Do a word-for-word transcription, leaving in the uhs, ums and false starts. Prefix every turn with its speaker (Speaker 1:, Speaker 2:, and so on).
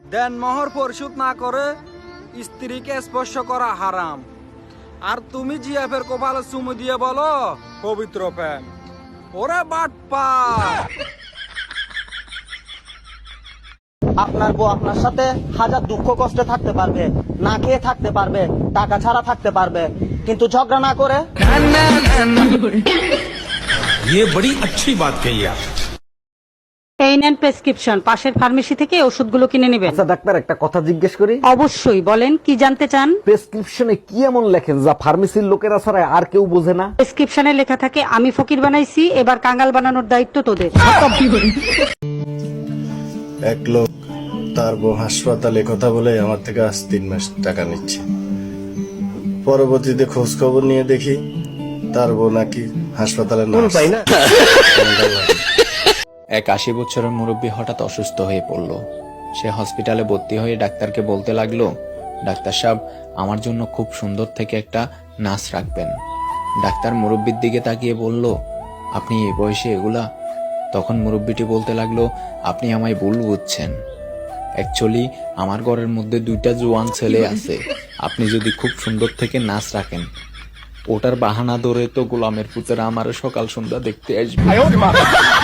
Speaker 1: দেনমোহর পরিশোধ না করে স্ত্রীকে স্পর্শ করা হারাম। আর তুমি জিএফের কপালে চুমু দিয়ে বলো পবিত্র প্রেম। ওরে বাটপা!
Speaker 2: আপনার বউ আপনার সাথে হাজার দুঃখ কষ্টে থাকতে পারবে, না খেয়ে থাকতে পারবে, টাকা ছাড়া থাকতে পারবে, কিন্তু ঝগড়া না করে।
Speaker 3: ये बड़ी अच्छी बात कही आप।
Speaker 4: এই নেন প্রেসক্রিপশন, পাশের ফার্মেসি থেকে ওষুধগুলো কিনে নেবেন।
Speaker 5: আচ্ছা ডাক্তার, একটা কথা জিজ্ঞেস করি।
Speaker 4: অবশ্যই বলেন, কি জানতে চান?
Speaker 5: প্রেসক্রিপশনে কি এমন লেখেন যা ফার্মেসির লোকেরা ছাড়া আর কেউ বোঝে না?
Speaker 4: প্রেসক্রিপশনে লেখা থাকে, আমি ফকির বানাইছি, এবার কাঙ্গাল বানানোর দায়িত্ব তোদের।
Speaker 6: এক লোক তার বউ হাসপাতালে কথা বলে আমার থেকে আজ তিন মাস টাকা নিচ্ছে। পরবর্তীতে খোঁজ খবর নিয়ে দেখি তার বউ নাকি হাসপাতালে না।
Speaker 7: এক আশি বছরের মুরব্বী হঠাৎ অসুস্থ হয়ে পড়ল। সে হসপিটালে ভর্তি হয়ে ডাক্তারকে বলতে লাগলো, ডাক্তার সাহেব, আমার জন্য খুব সুন্দর থেকে একটা নার্স রাখবেন। ডাক্তার মুরব্বীর দিকে তাকিয়ে বলল, আপনি এই বয়সে এগুলা? তখন মুরব্বীটি বলতে লাগলো, আপনি আমায় ভুল বুঝছেন। অ্যাকচুয়ালি আমার ঘরের মধ্যে দুইটা জোয়ান ছেলে আছে। আপনি যদি খুব সুন্দর থেকে নাচ রাখেন, ওটার বাহানা ধরে তো গোলামের পুতেরা আমার সকাল সন্ধ্যা দেখতে আসবে।